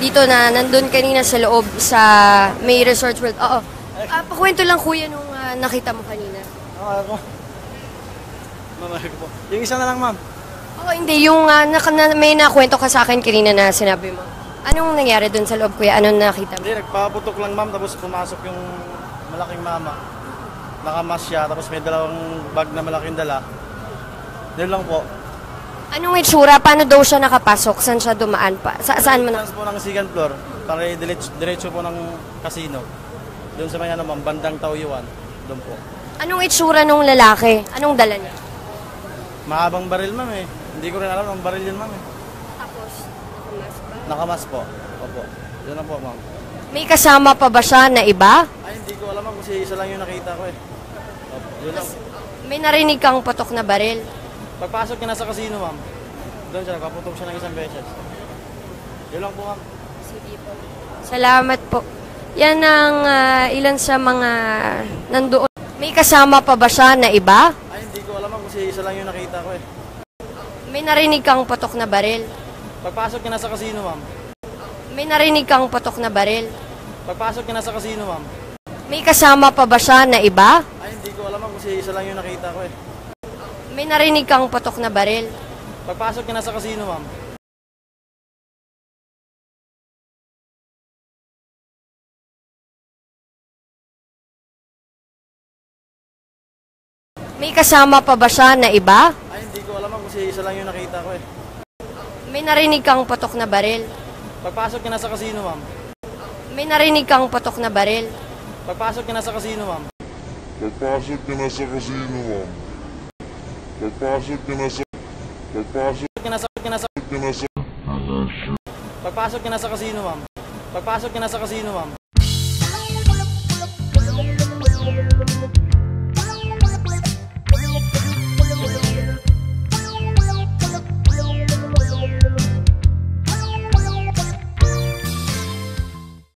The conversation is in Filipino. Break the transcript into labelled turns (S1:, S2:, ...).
S1: dito na nandun kanina sa loob sa May Resort World. Oo. Pakwento lang kuya nung nakita mo kanina.
S2: Ako. Po. Yung isa na lang, ma'am.
S1: Oo, hindi. Yung may nakwento ka sa akin kanina na sinabi mo. Anong nangyari dun sa loob, kuya? Anong nakita mo?
S2: Hindi, nagpaputok lang, ma'am. Tapos pumasok yung malaking mama. Nakamas siya. Tapos may dalawang bag na malaking dala. Doon lang po.
S1: Anong itsura? Paano daw siya nakapasok? Saan siya dumaan pa? Saan mo na?
S2: Po ng second floor. Para diretso po ng casino. Doon sa may ma'am, bandang Tauyuan. Doon po.
S1: Anong itsura nung lalaki? Anong dala niya?
S2: Mahabang baril, ma'am eh. Hindi ko rin alam ang baril yun, ma'am eh.
S1: Tapos, nakamas ba?
S2: Nakamas po. Opo. Yun lang po, ma'am.
S1: May kasama pa ba siya na iba?
S2: Ay, hindi ko alam, ma'am, kasi isa lang yung nakita ko eh. Opo. Yun lang.
S1: May narinig kang patok na baril?
S2: Pagpasok niya na sa casino, ma'am. Doon siya, nagpaputok siya ng isang beses. Yun lang po, ma'am.
S1: Sige po. Salamat po. Yan ang ilan sa mga nandoon. May kasama pa ba siya na iba?
S2: Ay, hindi ko alam, ma'am, kasi isa lang yung nakita ko eh.
S1: May narinig kang patok na baril?
S2: Pagpasok niya na sa casino, ma'am.
S1: May narinig kang patok na baril?
S2: Pagpasok niya na sa casino, ma'am.
S1: May kasama pa ba siya na iba?
S2: Ay, hindi ko alam, ma'am, kasi isa lang yung nakita ko eh.
S1: May narinig kang patok na baril?
S2: Pagpasok niya na sa casino, ma'am.
S1: May kasama pa ba siya na iba?
S2: Ay, hindi ko alam, ma'am, kasi isa lang yung nakita ko eh.
S1: May narinig kang patok na baril?
S2: Pagpasok niya na sa casino, ma'am.
S1: May narinig kang patok na baril?
S2: Pagpasok niya na sa casino, ma'am.
S3: Pagpasok niya na sa casino, ma'am. Pagpasok niya na sa... Pagpasok
S2: niya na sa...
S3: niya na sa...
S2: Pagpasok niya na sa casino, ma'am. Pagpasok niya na sa casino, ma'am.